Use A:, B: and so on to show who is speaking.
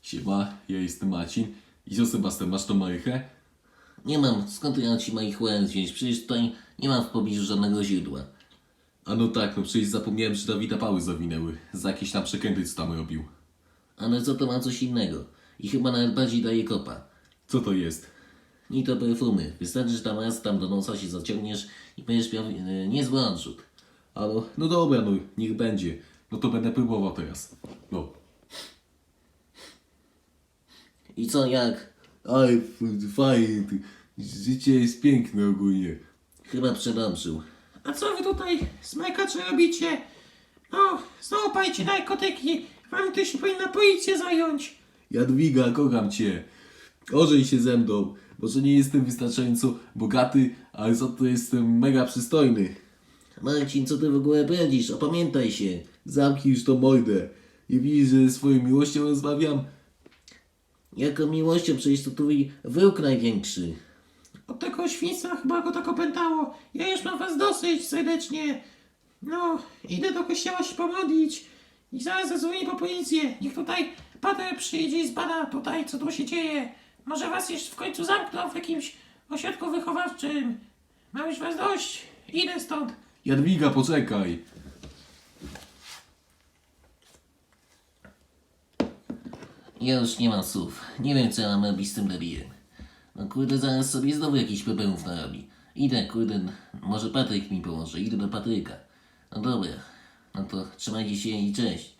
A: Siema, ja jestem Marcin. I co, Sebastian, masz tą marychę?
B: Nie mam, skąd ja ci marihuanę wziąć? Przecież tutaj nie mam w pobliżu żadnego źródła.
A: A no tak, no przecież zapomniałem, że Dawida pały zawinęły. Za jakieś tam przekręty, co tam robił.
B: Ale co to ma coś innego? I chyba nawet bardziej daje kopa.
A: Co to jest?
B: Nie to perfumy. Wystarczy, że tam raz tam do nosa się zaciągniesz i będziesz miał niezły odrzut.
A: A no dobra, no niech będzie. No to będę próbował teraz. No.
B: I co, jak?
A: Ale fajnie, życie jest piękne ogólnie.
B: Chyba przedobrzył.
C: A co wy tutaj, smajkacze, robicie? No, znowu pajcie narkotyki. Wam to się powinna policja zająć.
A: Jadwiga, kocham cię. Ożeń się ze mną. Może nie jestem wystarczająco bogaty, ale za to jestem mega przystojny.
B: Marcin, co ty w ogóle bredzisz? Opamiętaj się.
A: Zamknij już tą mordę. Nie widzisz, że ze swoją miłością rozmawiam?
B: Jaką miłością? Przecież to twój wróg największy.
C: Od tego świństwa chyba go tak opętało. Ja już mam was dosyć serdecznie. No, idę do kościoła się pomodlić. I zaraz zadzwonię po policję. Niech tutaj pater przyjdzie i zbada tutaj, co tu się dzieje. Może was jeszcze w końcu zamkną w jakimś ośrodku wychowawczym. Mam już was dość. Idę stąd.
A: Jadwiga, poczekaj.
B: Ja już nie mam słów. Nie wiem, co ja mam robić z tym debilem. No kurde, zaraz sobie znowu jakiś problemów narobi. Idę, kurde, może Patryk mi pomoże. Idę do Patryka. No dobra. No to trzymajcie się i cześć.